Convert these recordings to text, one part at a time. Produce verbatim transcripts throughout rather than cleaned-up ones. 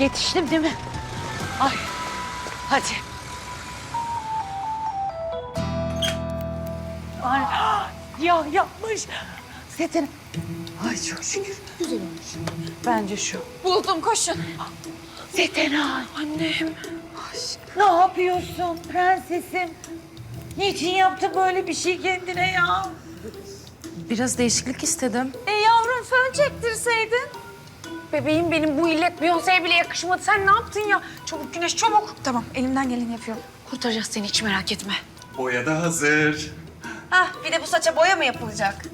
Yetiştim değil mi? Ay, hadi. Ay, ya yapmış. Setin. Ay çok şükür. Güzel olmuş. Bence şu. Buldum, koşun. Setenay. Annem. Ne yapıyorsun prensesim? Niçin yaptı böyle bir şey kendine ya? Biraz değişiklik istedim. E yavrum fön çektirseydin. Bebeğim benim bu illet Beyoncé'ye bile yakışmadı. Sen ne yaptın ya? Çabuk Güneş çabuk. Tamam, elimden geleni yapıyorum. Kurtaracağız seni, hiç merak etme. Boya da hazır. Hah bir de bu saça boya mı yapılacak?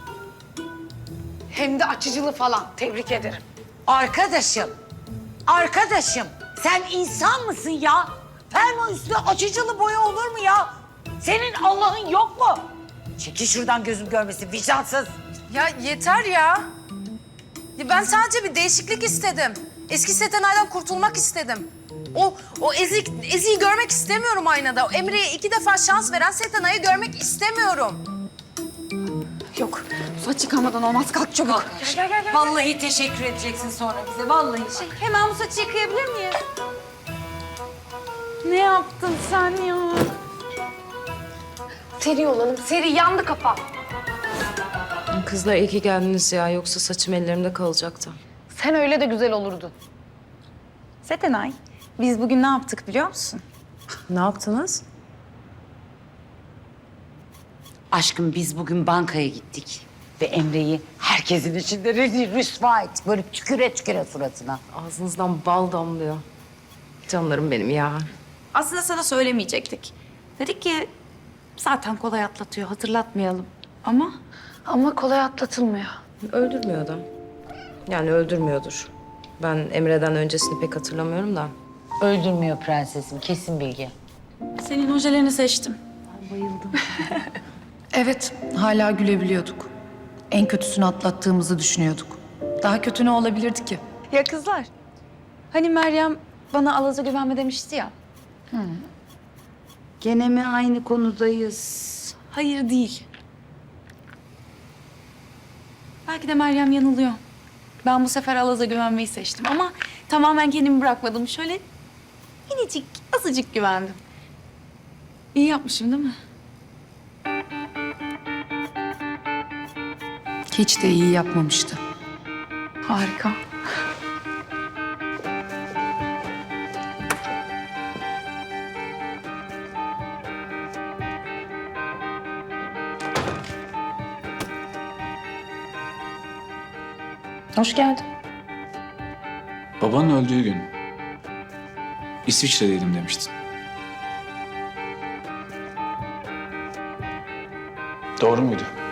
Hem de açıcılı falan. Tebrik ederim. Arkadaşım, arkadaşım sen insan mısın ya? Fermuar üstüne açıcılı boya olur mu ya? Senin Allah'ın yok mu? Çekil şuradan gözüm görmesin vicdansız. Ya yeter ya. Ya ben sadece bir değişiklik istedim. Eski Setenay'dan kurtulmak istedim. O o ezik eziği görmek istemiyorum aynada. O Emre'ye iki defa şans veren Setenay'ı görmek istemiyorum. Yok. Bu saç yıkamadan olmaz. Kalk çabuk. Gel, gel, gel, vallahi teşekkür edeceksin sonra bize, vallahi. Şey, hemen bu saçı yıkayabilir miyiz? Ne yaptın sen ya? Seri olalım. Seri yandı kafa. Kızlar iyi ki geldiniz ya. Yoksa saçım ellerimde kalacaktı. Sen öyle de güzel olurdun. Setenay, biz bugün ne yaptık biliyor musun? Ne yaptınız? Aşkım biz bugün bankaya gittik ve Emre'yi herkesin içinde rezil rüsva et. Böyle tüküre tüküre suratına. Ağzınızdan bal damlıyor. Canlarım benim ya. Aslında sana söylemeyecektik. Dedik ki zaten kolay atlatıyor, hatırlatmayalım. Ama Ama kolay atlatılmıyor. Öldürmüyor adam. Yani öldürmüyordur. Ben Emre'den öncesini pek hatırlamıyorum da. Öldürmüyor prensesim, kesin bilgi. senin ojelerini seçtim. Evet, hala gülebiliyorduk. En kötüsünü atlattığımızı düşünüyorduk. Daha kötü ne olabilirdi ki? Ya kızlar, hani Meryem bana Alaz'a güvenme demişti ya. Gene mi aynı konudayız? Hayır değil. Belki de Meryem yanılıyor. Ben bu sefer Alaz'a güvenmeyi seçtim ama tamamen kendimi bırakmadım. Şöyle minicik, azıcık güvendim. İyi yapmışım değil mi? Hiç de iyi yapmamıştı. Harika. Hoş geldin. Babanın öldüğü gün İsviçre'deydim demiştin. Doğru muydu?